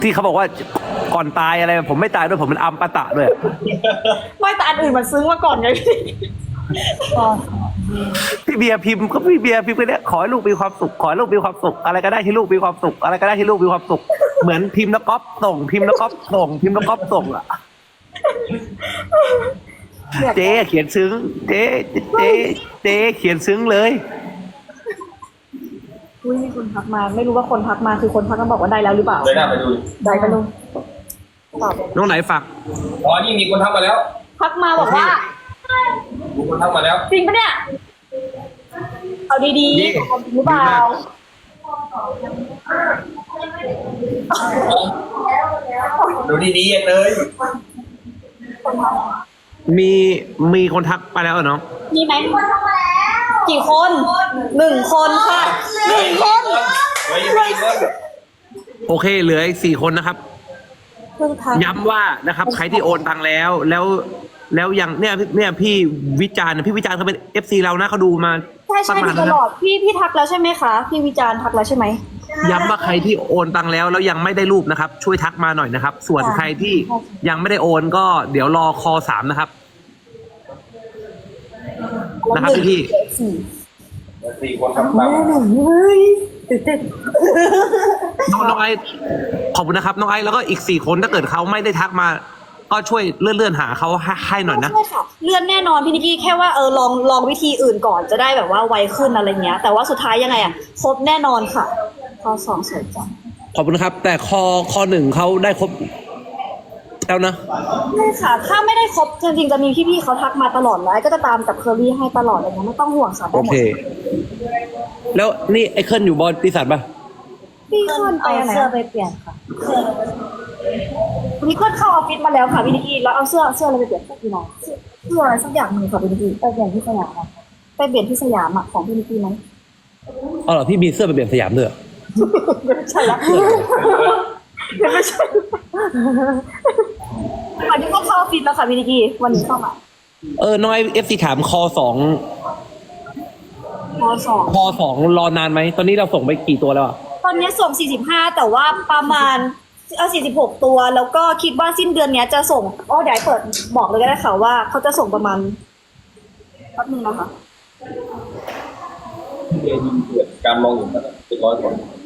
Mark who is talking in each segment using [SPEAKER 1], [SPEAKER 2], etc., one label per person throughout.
[SPEAKER 1] ที่เขาบอกว่าก่อนตายอะไรผมไม่ตายด้วยผมเป็นอัมปตะด้วย
[SPEAKER 2] ไม่แต่อันอื่นมันซึ้งมาก่อนไงพี่
[SPEAKER 1] พี่เบียร์พิมพ์ก็พี่เบียร์พิมพ์ไปเนี่ยขอให้ลูกมีความสุขขอให้ลูกมีความสุขอะไรก็ได้ที่ลูกมีความสุขอะไรก็ได้ที่ลูกมีความสุขเหมือนพิมพ์แล้วก๊อปส่งพิมพ์แล้วก๊อปส่งพิมพ์แล้วก๊อปส่งอะเจ๊เขียนซึ้งเจ๊เขียนซึ้งเลย
[SPEAKER 2] อุ้ยมีคนทักมาไม่รู้ว่าคนทักมาคือคนทักมาบอกว่าได้แล้วหรือเปล่า
[SPEAKER 3] เลยน่าไปดู
[SPEAKER 2] ได้ปะลุงตอบ
[SPEAKER 1] น้องไหนฝาก
[SPEAKER 3] อ๋อนี่มีคนทักมาแล้ว
[SPEAKER 2] ทักมาบอกว่า
[SPEAKER 3] มีคนทักมาแล้ว
[SPEAKER 2] จริงปะเนี่ยเอาดีๆของจริงหรือเปล่า
[SPEAKER 3] ดูดีๆเลย
[SPEAKER 1] มีคนทักไปแล้วเหรอน้อง
[SPEAKER 2] มีไหมกี่คน1 คนค่ะ1 คน
[SPEAKER 3] เฮ้ยมีคน
[SPEAKER 1] โอเคเหลืออีก4 คนนะครับ
[SPEAKER 2] เพิ่งทัก
[SPEAKER 1] ย้ำว่านะครับใครที่โอนตังแล้วยังเนี่ยพี่วิจารณ์พี่วิจารณ์เขาเป็น FC เรานะเขาดูมา
[SPEAKER 2] ใช่
[SPEAKER 1] ตั้ง
[SPEAKER 2] ดู
[SPEAKER 1] นาน
[SPEAKER 2] ต
[SPEAKER 1] นะค
[SPEAKER 2] ล
[SPEAKER 1] รั
[SPEAKER 2] อบ ดพี่ทักแล้วใช่ไหมคะพี่วิจารณ์ทักแล้วใช่ไหม
[SPEAKER 1] ย้ำว่าใครที่โอนตังแล้วยังไม่ได้รูปนะครับ ช่วยทักมาหน่อยนะครับ ส่วนใครที่ยังไม่ได้โอนก็เดี๋ยวรอคอ3นะครับพี่
[SPEAKER 3] 4 คนทักมา
[SPEAKER 2] เฮ้ยตื่นเต้น
[SPEAKER 1] น้องไอซ์ขอบคุณนะครับน้องไอซ์แล้วก็อีก4 คนถ้าเกิดเขาไม่ได้ทักมา ก็ช่วยเลื่อนหาเขาให้หน่อยนะ
[SPEAKER 2] ใช่ค่ะเลื่อนแน่นอนพี่นิกกี้แค่ว่าลองวิธีอื่นก่อนจะได้แบบว่าไวขึ้นอะไรเงี้ย แต่ว่าสุดท้ายยังไงอะครบแน่นอนค่ะข้อ2สวยจัง
[SPEAKER 1] ขอบคุณครับ แต่คอ1เขาได้ครบแล้วนะ
[SPEAKER 2] ใช่ค่ะถ้าไม่ได้ครบจริงๆจะมีพี่ๆเขาทักมาตลอดแล้วก็จะตามกับเคอรี่ให้ตลอดอะไรเงี้ยไม่ต้องห่วงค่ะ
[SPEAKER 1] โอเค แล้วนี่ไอ้เคิลอยู่บริษัทปะ
[SPEAKER 2] พี่เคิลไป
[SPEAKER 4] เอา
[SPEAKER 2] ไหน
[SPEAKER 4] เสื้อไปเปลี่ยนค่ะ
[SPEAKER 2] พี่เคิลเข้าออฟฟิศมาแล้วค่ะพี่นิกกี้แล้วเอาเสื้ออะไรไปเปลี่ยนพี่น้องเสื้ออะไรสักอย่างหนึ่งค่ะพี่นิกกี้
[SPEAKER 4] ไปเปลี่ยนที่สยามอะค่ะ
[SPEAKER 2] ไปเปลี่ยนที่สยามอะของพี่นิกกี้ไหม
[SPEAKER 1] อ๋อเหรอพี่มีเสื้อไปเปลี่ยนสยามด้วยเหรอ
[SPEAKER 2] ไม่ใช่ละไม่ใช่วันนี้ก็เข้าออฟฟิศแล้วค่ะพี่นิกกี้วันนี้เข้ามา
[SPEAKER 1] น้อยFC ถามคอ2
[SPEAKER 2] ม.2
[SPEAKER 1] คอ2รอนานไหมตอนนี้เราส่งไปกี่ตัวแล้วอะ
[SPEAKER 2] ตอนนี้ส่ง45แต่ว่าประมาณ46ตัวแล้วก็คิดว่าสิ้นเดือนเนี้ยจะส่งเดี๋ยวเปิดบอกเลยก็ได้ค่ะว่าเขาจะส่งประมาณแป๊บนึงนะคะ
[SPEAKER 3] เรียนยิงเกิดการมองเห็นมันเป็น100 คน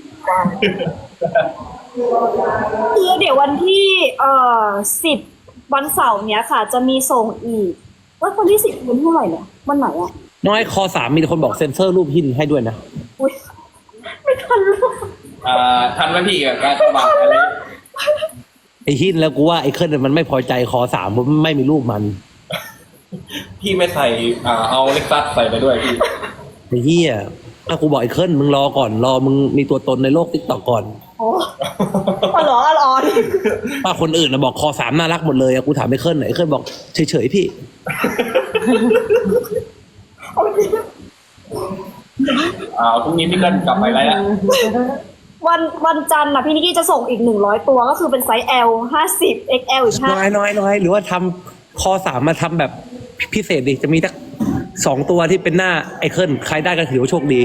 [SPEAKER 2] คือเดี๋ยววันที่10วันเสาร์เนี้ยค่ะ จะมีส่งอีกว่าวันที่10วันเท่าไหร่เนี่ยวันไหนอะ
[SPEAKER 1] น้อยคอ3มีคนบอกเซ็นเซอร์รูปหินให้ด้วยนะ
[SPEAKER 2] อุ๊ยไม่ทันลูก
[SPEAKER 3] ทันไหมพี่กับการสมัครอะไร
[SPEAKER 1] ไอ้หินแล้วกูว่าไอ้เคิลมันไม่พอใจคอ3ผมไม่มีรูปมัน
[SPEAKER 3] พี่ไม่ใส่เอาเล็กซัสใส่ไปด้วยพี่
[SPEAKER 1] ไอ้เหี้ยถ้ากูบอกไอ้เคิลมึงรอก่อนรอมึงมีตัวตนในโลกติ๊กต็อกก่อน
[SPEAKER 2] โอ้เหรอนี่
[SPEAKER 1] ถ้าคนอื่นนะบอกคอ3น่ารักหมดเลยอะกูถามไอ้เคิลไอ้เคิลบอกเฉยๆพี่
[SPEAKER 3] พรุ่งนี้พี่เกินกลับไปแล้ว
[SPEAKER 2] วันจันทร์น่ะพี่นิกกี้จะส่งอีก100ตัวก็คือเป็นไซส์ L 50 XL อีก5
[SPEAKER 1] น้อยหรือว่าทำคอ3มาทำแบบพิเศษดิจะมีสัก2 ตัวที่เป็นหน้าไอ้เคิลใครได้ก็ถือว่าโชคดี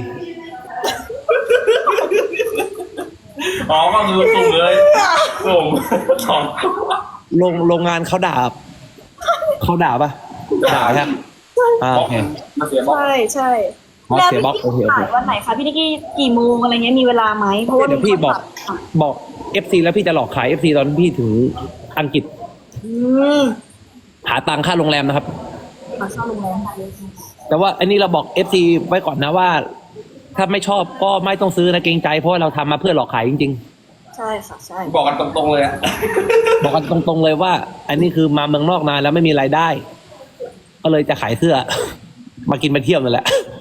[SPEAKER 3] ก็คือส่งเลยส่งสอง
[SPEAKER 1] โรงงานเขาด่าปะด่าครับโอเค
[SPEAKER 3] มาเสียบอก
[SPEAKER 2] ใช่
[SPEAKER 1] อ๋อ
[SPEAKER 2] แล้ว
[SPEAKER 1] เสียบล็อก
[SPEAKER 2] พี่
[SPEAKER 1] โอเค
[SPEAKER 2] ถ่ายวันไหนคะพี่นิกกี้กี่โมงอะไรเงี้ยมีเวลาไหมเพราะว่า
[SPEAKER 1] เดี๋ยวพี่บอก FC แล้วพี่จะหลอกขาย FC ตอนพี่ถึงอังกฤษ
[SPEAKER 2] ม
[SPEAKER 1] หาตังค่าโรงแรมนะครับ
[SPEAKER 2] มาเข้าโรงแรมค่ะ
[SPEAKER 1] แต่ว่าอันนี้เราบอก FC ไว้ก่อนนะว่า ถ้าไม่ชอบก็ไม่ต้องซื้อนะเกรงใจเพราะว่าเราทำมาเพื่อหลอกขายจริง
[SPEAKER 2] ใช่ค่ะใช่
[SPEAKER 3] บอกกันตรงๆเลยอะ
[SPEAKER 1] ๆ บอกกันตรงๆเลยว่า อันนี้คือมาเมืองนอกนานแล้วไม่มีรายได้ ก็เลยจะขายเสื้อ มากินมาเที่ยวนั่นแหละ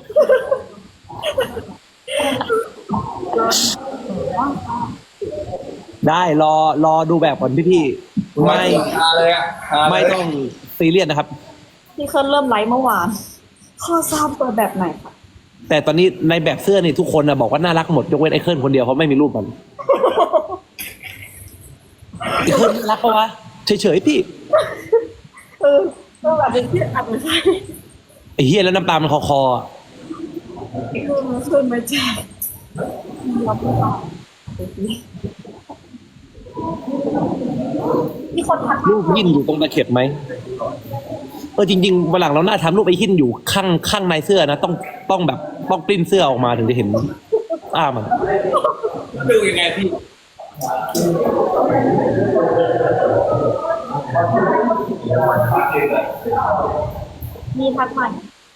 [SPEAKER 1] ได้รอดูแบบก่อนพี่ๆไม่
[SPEAKER 3] เลยอะ
[SPEAKER 1] ไม่ต้องซีเรียสนะครับ
[SPEAKER 2] พี่เคิร์นเริ่มไลฟ์เมื่อวานข้อทราบตัวแบบไหนคะ
[SPEAKER 1] แต่ตอนนี้ในแบบเสื้อนี่ทุกคนนะบอกว่าน่ารักหมดยกเว้นไอ้เคิลคนเดียวเพราะไม่มีรูปมันไอ้เคิลน่ารักปะวะเฉยๆพี่
[SPEAKER 2] แบบเป็นที่อัดไม่ใช่
[SPEAKER 1] ไอ้เฮียแล้วน้ำตามันคอๆอะ
[SPEAKER 2] ขึ้นมาแจ้งคนทัก
[SPEAKER 1] รูปหินอยู่ตรงตะเข็บไหมจริงๆวันหลังเราหน้าทำรูปไอ้หินอยู่ข้างในเสื้อนะต้องแบบต้องปริ้นเสื้อออกมาถึงจะเห็นมัน
[SPEAKER 3] ดูยังไงพี่
[SPEAKER 2] มีทักใหม่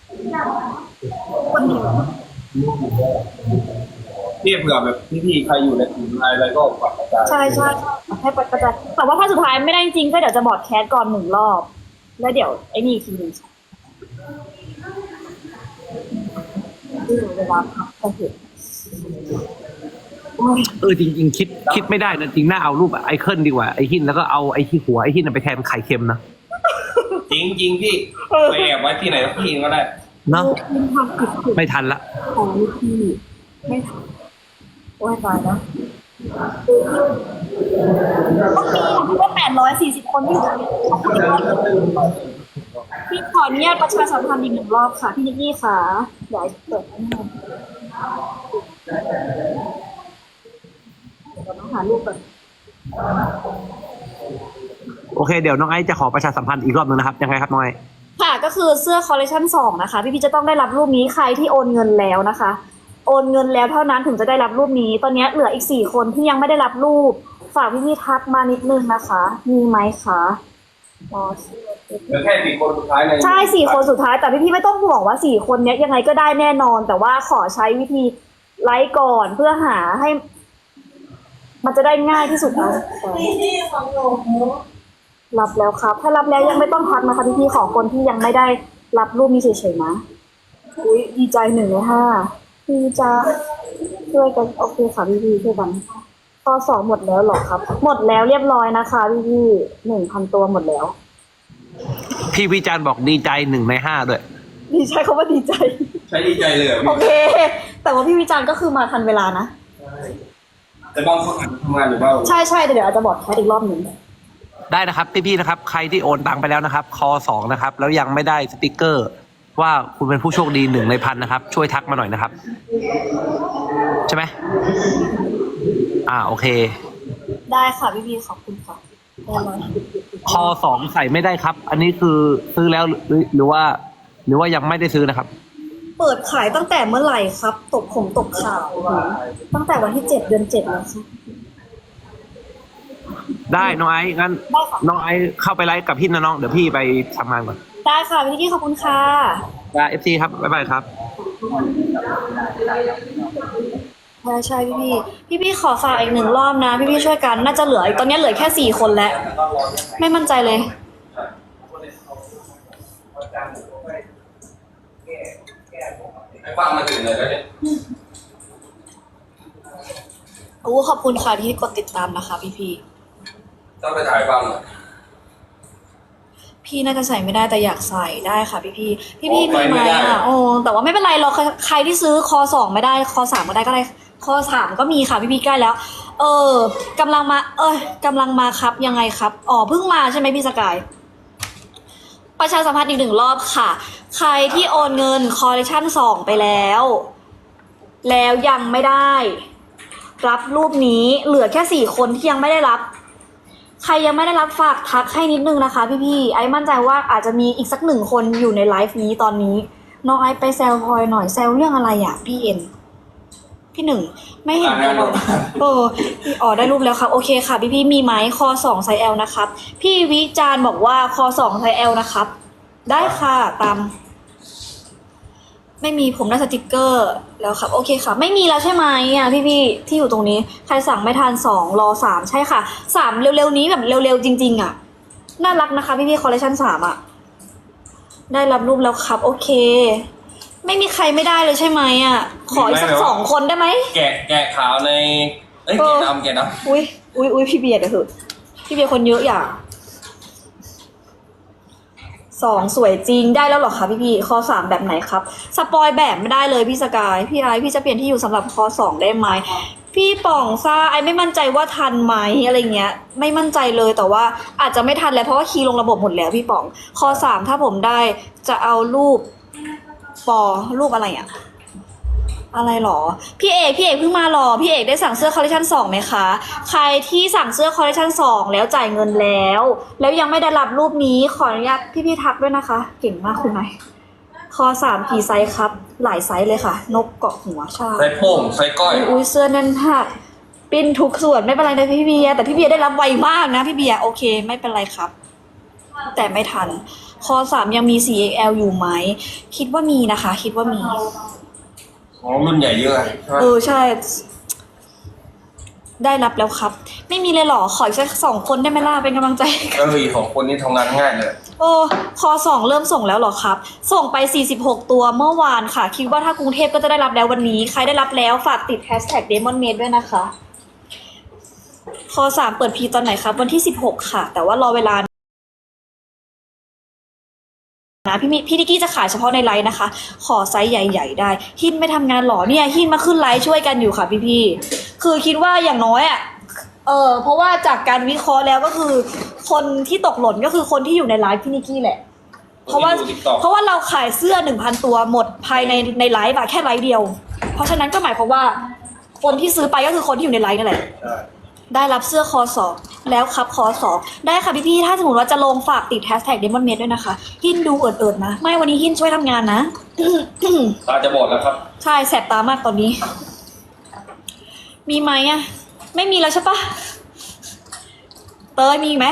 [SPEAKER 2] คนเดียว
[SPEAKER 3] พี่เผื่อแบบพี่ๆใครอยู่ในกลุ่มไลน์อะไรก็ฝากกระจาย
[SPEAKER 2] ใช่ให้กระจายแต่ว่าถ้าสุดท้ายไม่ได้จริงก็เดี๋ยวจะบอร์ดแคสก่อน1 รอบ แล้วเดี๋ยวไอ้นี่อีกทีหนึงเวลาพักก็เห็น
[SPEAKER 1] จริงๆคิดไม่ได้นะจริงน่าเอารูปไอเคิลดีกว่าไอหินแล้วก็เอาไอที่หัวไอหินไปแทนไข่เค็มนะ
[SPEAKER 3] จริงพี่ไปแอบไว้ที่ไหนสักที่ก็ได้
[SPEAKER 1] เนาะ
[SPEAKER 2] มันทำผิด
[SPEAKER 1] ไม่ทันละ
[SPEAKER 2] ของพี่ไม่ทำโอ้ยตายแล้วต้องมีที่ว่า840 คนที่อยู่ตรงนี้พี่ขออนุญาตประชาสัมพันธ์อีก1 รอบค่ะ พี่นิกกี้ค่ะเดี๋ยวเปิดให้หน่อยเดี๋ยวต้องหารูปก่อน
[SPEAKER 1] โอเคเดี๋ยวน้องไอซ์จะขอประชาสัมพันธ์อีกรอบนึงนะครับยังไงครับน้องไอซ์
[SPEAKER 2] ค่ะก็คือเสื้อคอลเลคชัน2นะคะพี่จะต้องได้รับรูปนี้ใครที่โอนเงินแล้วนะคะ โอนเงินแล้วเท่านั้นถึงจะได้รับรูปนี้ตอนนี้เหลืออีก4 คนที่ยังไม่ได้รับรูปฝากพี่ทักมานิดนึงนะคะมีไหมคะ
[SPEAKER 3] เหลือแค่4 คนสุดท้ายใน
[SPEAKER 2] ใช่4 คนสุดท้ายแต่พี่ไม่ต้องห่วงว่า4 คนนี้ยังไงก็ได้แน่นอน แต่ว่าขอใช้วิธีไลฟ์ก่อนเพื่อหาให้ มันจะได้ง่ายที่สุดนะรับแล้วครับ ถ้ารับแล้วยังไม่ต้องทักนะคะพี่ของคนที่ยังไม่ได้รับรูปนี้เฉยๆนะอุ้ยดีใจ1 ใน 5พี่จะช่วยกันโอเคค่ะพี่ช่วยกันข้อ2หมดแล้วหรอครับ หมดแล้วเรียบร้อยนะคะพี่1,000 ตัวหมดแล้ว
[SPEAKER 1] พี่วิจารณ์บอกดีใจ1 ใน 5ด้วย
[SPEAKER 2] ดีใจเขาว่าดีใจ
[SPEAKER 3] ใช้ดีใจเลย
[SPEAKER 2] โอเค แต่ว่าพี่วิจารณ์ก็คือมาทันเวลานะ
[SPEAKER 3] แต่บางคนทำงานอยู่บ้าง
[SPEAKER 2] ใช่เดี๋ยวอาจจะบอกแคสอีกรอบหนึ่ง
[SPEAKER 1] ได้นะครับพี่ๆนะครับใครที่โอนตังไปแล้วนะครับคอ2นะครับแล้วยังไม่ได้สติกเกอร์ ว่าคุณเป็นผู้โชคดี1 ใน 1,000นะครับช่วยทักมาหน่อยนะครับใช่ไหมโอเค
[SPEAKER 2] ได้ค่ะพี่ขอบคุณค่ะได้เลย
[SPEAKER 1] คอ2ใส่ไม่ได้ครับ อันนี้คือซื้อแล้วหรือว่ายังไม่ได้ซื้อนะครับ
[SPEAKER 2] เปิดขายตั้งแต่เมื่อไหร่ครับ ตกข่าวตั้งแต่วันที่7 เดือน 7แล้วค่ะ
[SPEAKER 1] ได้น้องไอซ์งั้น
[SPEAKER 2] ได้ค่ะ
[SPEAKER 1] น้องไอซ์เข้าไปไลฟ์กับพี่นะน้องเดี๋ยวพี่ไปทำงานก่อน
[SPEAKER 2] ได้ค่ะพี่กี้ขอบคุณค่ะ
[SPEAKER 1] ได้ FC ครับบ๊ายบายครับ
[SPEAKER 2] ใช่พี่ขอฝากอีก1 รอบนะพี่ช่วยกันน่าจะเหลือตอนนี้เหลือแค่4 คนแล้วไม่มั่นใจเลย
[SPEAKER 3] ให้ฟังมาถึงเลยแล้วเนี่ย
[SPEAKER 2] ขอบคุณค่ะที่กดติดตามนะคะพี่
[SPEAKER 3] ต้องไปถ่ายฟังหน่อย
[SPEAKER 2] พี่น่าจะใส่ไม่ได้แต่อยากใส่ได้ค่ะพี่มีไหมแต่ว่าไม่เป็นไรเราใครที่ซื้อคอ2ไม่ได้คอ3ก็ได้คอ3ก็มีค่ะพี่ใกล้แล้วกำลังมาครับยังไงครับเพิ่งมาใช่ไหมพี่สกายประชาสัมพันธ์อีก1 รอบค่ะ ใครที่โอนเงินคอลเลคชัน2ไปแล้วยังไม่ได้รับรูปนี้เหลือแค่4 คนที่ยังไม่ได้รับใครยังไม่ได้รับฝากทักให้นิดนึงนะคะพี่ไอ้มั่นใจว่าอาจจะมีอีกสัก1 คนอยู่ในไลฟ์นี้ตอนนี้น้องไอ้ไปแซวพลอยหน่อยแซวเรื่องอะไรอ่ะพี่เอ็นพี่1ไม่เห็นเลยได้รูปแล้วครับโอเคค่ะพี่มีไหมคอ2ไซส์ L นะครับพี่วิจารณ์บอกว่าคอ2ไซส์ L นะครับได้ค่ะตามไม่มีผมได้สติกเกอร์แล้วครับโอเคค่ะไม่มีแล้วใช่ไหมพี่ที่อยู่ตรงนี้ใครสั่งไม่ทัน2รอ3ใช่ค่ะ3เร็วๆนี้แบบเร็วๆจริงๆน่ารักนะคะพี่คอลเลคชัน3ได้รับรูปแล้วครับโอเคไม่มีใครไม่ได้เลยใช่ไหมขออีกสัก2 คนได้ไหม
[SPEAKER 3] แกะขาวในแกะดำ
[SPEAKER 2] อุ้ยพี่เบียร์เดี๋ยวเถอะพี่เบียร์คนเยอะอย่าง2สวยจริงได้แล้วหรอคะพี่ข้อ3แบบไหนครับสปอยแบบไม่ได้เลยพี่สกายพี่ไอพี่จะเปลี่ยนที่อยู่สำหรับข้อ2ได้ไหมพี่ป่องซ่าไอไม่มั่นใจว่าทันไหมอะไรเงี้ยไม่มั่นใจเลยแต่ว่าอาจจะไม่ทันแล้วเพราะว่าคีย์ลงระบบหมดแล้วพี่ป่องข้อ3ถ้าผมได้จะเอารูปรูปอะไรอะไรหรอพี่เอกเพิ่งมาหรอพี่เอกได้สั่งเสื้อคอลเลคชัน2ไหมคะใครที่สั่งเสื้อคอลเลคชัน2แล้วจ่ายเงินแล้วยังไม่ได้รับรูปนี้ขออนุญาตพี่ทักด้วยนะคะ เก่งมากคุณนายคอ3กี่ไซส์ครับหลายไซส์เลยค่ะ นกเกาะหัวใช่
[SPEAKER 3] ไซส์โป่งไซส์ก้อย
[SPEAKER 2] อุ้ยเสื้อแน่นหักปิ้นทุกส่วนไม่เป็นไรนะพี่เบียร์แต่พี่เบียร์ได้รับไวมากนะพี่เบียร์โอเคไม่เป็นไรครับ แต่ไม่ทันคอ3ยังมี 4XL อยู่ไหมคิดว่ามีนะคะ คิดว่ามี
[SPEAKER 3] อ๋อรุ่นใหญ่เยอะใช่ไหม
[SPEAKER 2] ใช่ ได้รับแล้วครับ ไม่มีเลยเหรอขออีกสัก2 คนได้ไหมล่ะเป็นกำลังใจให้กัน
[SPEAKER 3] ก็มีของคนนี้ทำงานง่ายเลย
[SPEAKER 2] โอ้คอ2เริ่มส่งแล้วเหรอครับ ส่งไป46ตัวเมื่อวานค่ะ คิดว่าถ้ากรุงเทพก็จะได้รับแล้ววันนี้ใครได้รับแล้วฝากติด #DemonMade ด้วยนะคะคอ3เปิดพีตอนไหนครับวันที่16ค่ะ แต่ว่ารอเวลานะพี่นิกกี้จะขายเฉพาะในไลน์นะคะ ขอไซส์ใหญ่ๆได้หินไม่ทำงานหรอเนี่ยหินมาขึ้นไลฟ์ช่วยกันอยู่ค่ะพี่ๆคือคิดว่าอย่างน้อยอ่ะเพราะว่าจากการวิเคราะห์แล้วก็คือคนที่ตกหล่นก็คือคนที่อยู่ในไลฟ์พี่นิกกี้แหละเพราะว่าเราขายเสื้อ 1,000 ตัวหมดภายในไลฟ์อะแค่ไลฟ์เดียวเพราะฉะนั้นก็หมายความว่าคนที่ซื้อไปก็คือคนที่อยู่ในไลฟ์นั่นแหละได้รับเสื้อคอ2แล้วครับคอ2ได้ค่ะพี่ๆถ้าสมมติว่าจะลงฝากติด #DemonMade ด้วยนะคะหินดูเอิดๆนะไม่วันนี้หินช่วยทำงานนะ
[SPEAKER 3] ตาจะบอดแล้วครับ
[SPEAKER 2] ใช่แสบตามากตอนนี้ มีไหมอะไม่มีแล้วใช่ปะเตยมีไหม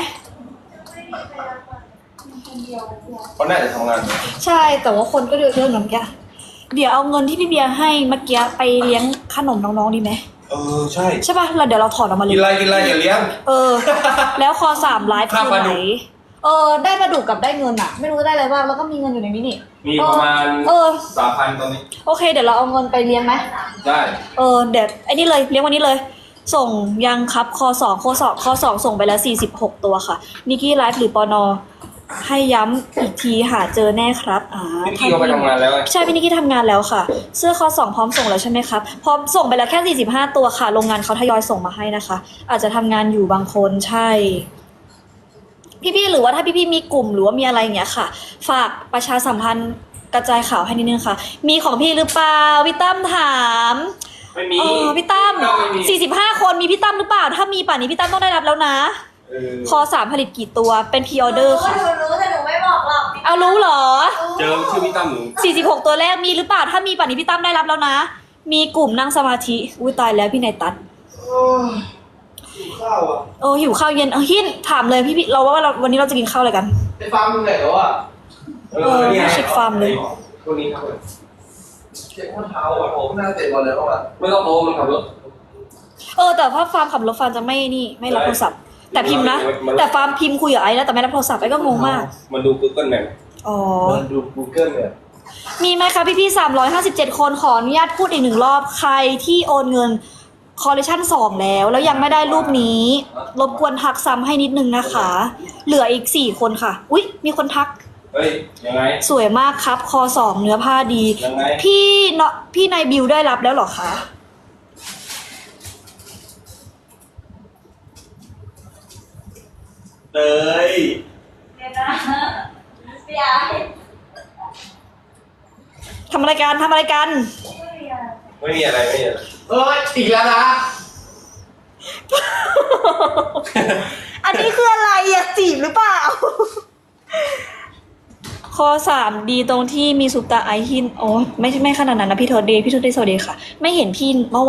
[SPEAKER 3] เขาน่าจะทำงานเลย
[SPEAKER 2] ใช่แต่ว่าคนก็เยอะเหมือนกันเดี๋ยวเอาเงินที่พี่เบียร์ให้เมื่อกี้ไปเลี้ยงขนมน้องๆดีไหม
[SPEAKER 3] ใช่
[SPEAKER 2] ใช่ปะเดี๋ยวเราถอดออกมาเล
[SPEAKER 3] กิ
[SPEAKER 2] ย
[SPEAKER 3] นไรอย่าเลี้ยง
[SPEAKER 2] แล้วคอ3ไลฟ์
[SPEAKER 3] ค่า
[SPEAKER 2] คือ
[SPEAKER 3] ปลา
[SPEAKER 2] ไห
[SPEAKER 3] ดุ
[SPEAKER 2] น
[SPEAKER 3] ก
[SPEAKER 2] ได้ปลาดุกกับได้เงินอะไม่รู้ได้อะไรบ้างแล้วก็มีเงินอยู่ในนี้นี่
[SPEAKER 3] มีประมาณ 3,000 ตอนนี้
[SPEAKER 2] โอเคเดี๋ยวเราเอาเงินไปเลี้ยงไหม
[SPEAKER 3] ได้
[SPEAKER 2] เดี๋ยวไอ้นี่เลยเลี้ยงวันนี้เลย ส่งยังครับคอ2ส่งไปแล้ว46ตัวค่ะนิกกี้ไลฟ์หรือปนให้ย้ำอีกทีหาเจอแน่ครับ
[SPEAKER 3] พี่กี้เขาไปทำงานแล้วไง
[SPEAKER 2] ใช่พี่นิกกี้ทำงานแล้วค่ะ เสื้อคอ2พร้อมส่งแล้วใช่ไหมครับพร้อมส่งไปแล้วแค่45ตัวค่ะโรงงานเขาทยอยส่งมาให้นะคะ อาจจะทำงานอยู่บางคนใช่พี่ๆหรือว่าถ้าพี่ๆมีกลุ่มหรือว่ามีอะไรอย่างเงี้ยค่ะ ฝากประชาสัมพันธ์กระจายข่าวให้นิดนึงค่ะ มีของพี่หรือเปล่าพี่ตั้มถาม
[SPEAKER 3] ไม่มี
[SPEAKER 2] พี่ตั้ม
[SPEAKER 3] ไม่มี
[SPEAKER 2] 45 คนมีพี่ตั้มหรือเปล่าถ้ามีป่านนี้พี่ตั้มต้องได้รับแล้วนะคอ3ผลิตกี่ตัวเป็นพรีออเดอร์ค่ะ
[SPEAKER 4] หนูรู้แต่หนูไม่บอกหรอก
[SPEAKER 2] เอารู้เหรอ
[SPEAKER 3] เจอชื่อพี่ตั้มหนู
[SPEAKER 2] 46 ตัวแรกมีหรือเปล่าถ้ามีป่านนี้พี่ตั้มได้รับแล้วนะ มีกลุ่มนั่งสมาธิอุ้ยตายแล้วพี่นายตัด
[SPEAKER 5] ข้าวอ่ะ
[SPEAKER 2] หิวข้าวเย็นหินถามเลยพี่เราว่าวันนี้เราจะกินข้าวอะไรกัน
[SPEAKER 5] ไอ้ฟาร์มมึงไหนแล้วอ่ะ
[SPEAKER 3] นี่ไง
[SPEAKER 2] เช็คฟาร์มเลย
[SPEAKER 3] คนนี้ครับ
[SPEAKER 5] เช็คข้อเท้าอ่ะผมน่าเตะบอลแล้วอ่ะ
[SPEAKER 3] ไม่ต้องโทรมันขับรถ
[SPEAKER 2] แต่ว่าฟาร์มขับรถฟาร์มจะไม่รับโทรศัพท์แต่พิมพ์นะแต่ฟาร์มพิมพ์คุยกับไอ้แล้วแต่ไม่รับโทรศัพท์ไอ้ก็งงมาก
[SPEAKER 3] มันดู Google Map
[SPEAKER 2] อ๋อ
[SPEAKER 5] มันดู Google เนี่ย
[SPEAKER 2] มีไหมคะพี่357 คนขออนุญาตพูดอีก1 รอบใครที่โอนเงินคอลเลคชัน2แล้วยังไม่ได้รูปนี้รบกวนทักซ้ำให้นิดนึงนะคะ เหลืออีก4 คนค่ะอุ๊ยมีคนทัก
[SPEAKER 3] เฮ้ย ยังไง
[SPEAKER 2] สวยมากครับคอ2เนื้อผ้าดี
[SPEAKER 3] ยังไง
[SPEAKER 2] พี่นายบิวได้รับแล้วเหรอคะ
[SPEAKER 3] เตย
[SPEAKER 4] เดี๋ยวนะพี่ไอ้
[SPEAKER 2] ทำอะไรกัน
[SPEAKER 3] ไม่มีอะไร
[SPEAKER 5] เอ้ยอีกแล้วนะ
[SPEAKER 2] อันนี้คืออะไรอะจีบหรือเปล่า ข้อ3ดีตรงที่มีซุปตาไอหินโอ้ไม่ขนาดนั้นนะพี่โทษเดย์สวัสดีค่ะ ไม่เห็นพี่เมื่อวาน